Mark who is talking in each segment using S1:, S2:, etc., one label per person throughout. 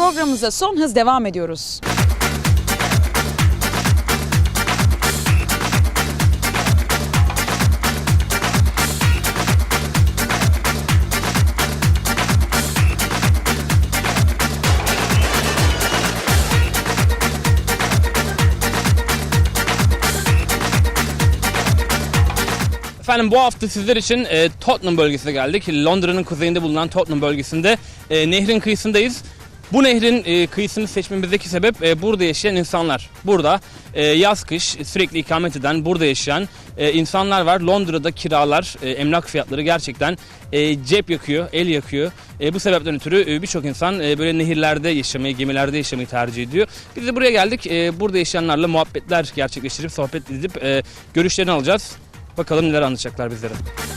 S1: programımıza son hız devam ediyoruz.
S2: Efendim bu hafta sizler için Tottenham bölgesine geldik. Londra'nın kuzeyinde bulunan Tottenham bölgesinde nehrin kıyısındayız. Bu nehrin kıyısını seçmemizdeki sebep burada yaşayan insanlar. Burada yaz kış sürekli ikamet eden, burada yaşayan insanlar var. Londra'da kiralar, emlak fiyatları gerçekten cep yakıyor, el yakıyor. Bu sebepten ötürü birçok insan böyle nehirlerde yaşamayı, gemilerde yaşamayı tercih ediyor. Biz de buraya geldik. Burada yaşayanlarla muhabbetler gerçekleştirip, sohbet edip görüşlerini alacağız. Bakalım neler anlatacaklar bizlere.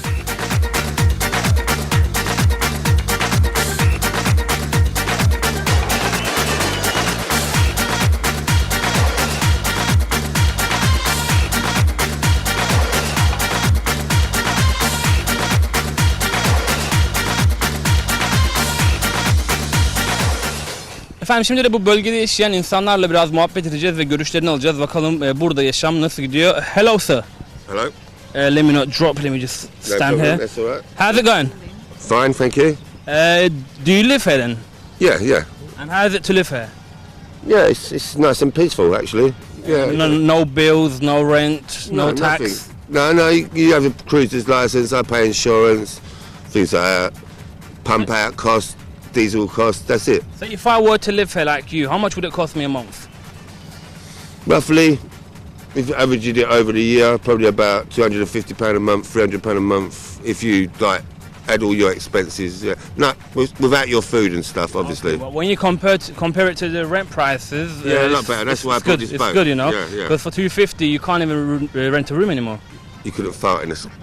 S2: Efendim şimdi de bu bölgede yaşayan insanlarla biraz muhabbet edeceğiz ve görüşlerini alacağız. Bakalım burada yaşam nasıl gidiyor? Hello sir.
S3: Hello.
S2: Let me not drop. Let me just stand here.
S3: That's all right.
S2: How's it going?
S3: Fine, thank you.
S2: Do you live here then?
S3: Yeah.
S2: And how is it to live here?
S3: Yeah, it's nice and peaceful actually. Yeah.
S2: No bills, no rent, no tax.
S3: Nothing. No, you have a cruiser's license, I pay insurance, things like that. Pump out costs, diesel costs, that's it.
S2: So if I were to live here like you, how much would it cost me a month?
S3: Roughly, if you averaged it over the year, probably about £250 a month, £300 a month, if you like add all your expenses. Yeah. No, without your food and stuff, obviously.
S2: Okay, well, when you compare it to the rent prices,
S3: yeah, not bad. That's why I bought this boat.
S2: It's good, you know.
S3: Yeah.
S2: Because for $250, you can't even rent a room anymore.
S3: You couldn't fart in this.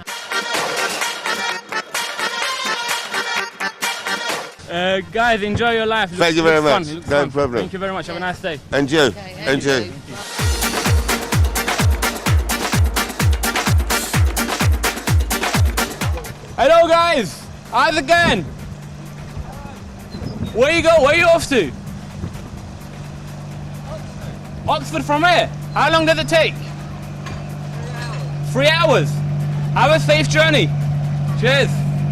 S2: Guys, enjoy your life.
S3: Thank you very much.
S2: Fun.
S3: No problem.
S2: Thank you very much. Have a nice day.
S3: And you. And you.
S2: Hello guys, how's it going? Where you go? Where you off to? Oxford from here? How long does it take? 3 hours. Have a safe journey. Cheers.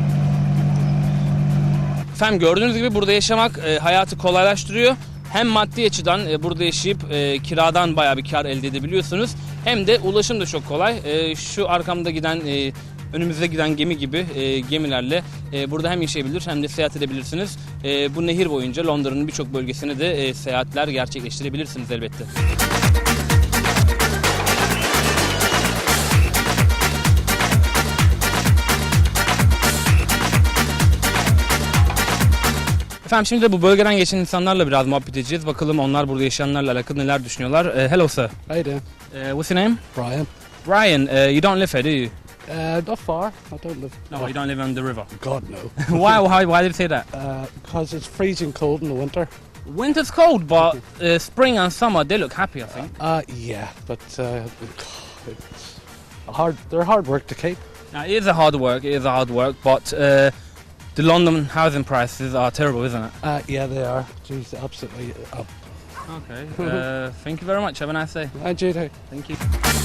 S2: Efendim gördüğünüz gibi burada yaşamak hayatı kolaylaştırıyor. Hem maddi açıdan burada yaşayıp kiradan bayağı bir kar elde edebiliyorsunuz. Hem de ulaşım da çok kolay. Şu arkamda giden önümüzde giden gemi gibi gemilerle burada hem yaşayabilir hem de seyahat edebilirsiniz. Bu nehir boyunca Londra'nın birçok bölgesine de seyahatler gerçekleştirebilirsiniz elbette. Efendim şimdi de bu bölgeden geçen insanlarla biraz muhabbet edeceğiz. Bakalım onlar burada yaşayanlarla alakalı neler düşünüyorlar. Hello sir.
S4: How you doing?
S2: What's your name?
S4: Brian.
S2: Brian, you don't live here, do you?
S4: Not far. I don't live.
S2: No, you don't live on the river.
S4: God no.
S2: Why did you say that?
S4: Because it's freezing cold in the winter.
S2: Winter's cold, but spring and summer they look happy, I think.
S4: Yeah, but it's hard. They're hard work to keep.
S2: Now, it is a hard work, but the London housing prices are terrible, isn't it?
S4: Yeah, they are. Jeez, absolutely up.
S2: Okay. Thank you very much. Have a nice day.
S4: And you too.
S2: Thank you.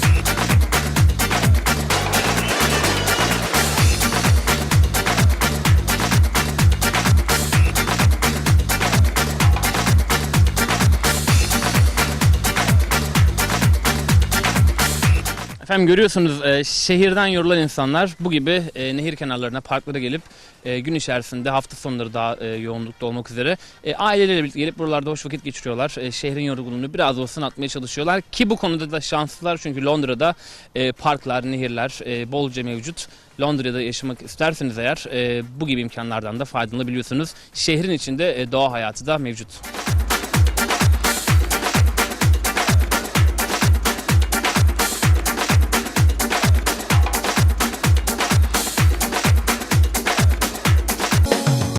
S2: Efendim görüyorsunuz şehirden yorulan insanlar bu gibi nehir kenarlarına, parklara gelip gün içerisinde hafta sonları daha yoğunlukta olmak üzere aileleriyle birlikte gelip buralarda hoş vakit geçiriyorlar. Şehrin yorgunluğunu biraz olsun atmaya çalışıyorlar ki bu konuda da şanslılar çünkü Londra'da parklar, nehirler bolca mevcut. Londra'da yaşamak isterseniz eğer bu gibi imkanlardan da faydalanabiliyorsunuz. Şehrin içinde doğa hayatı da mevcut.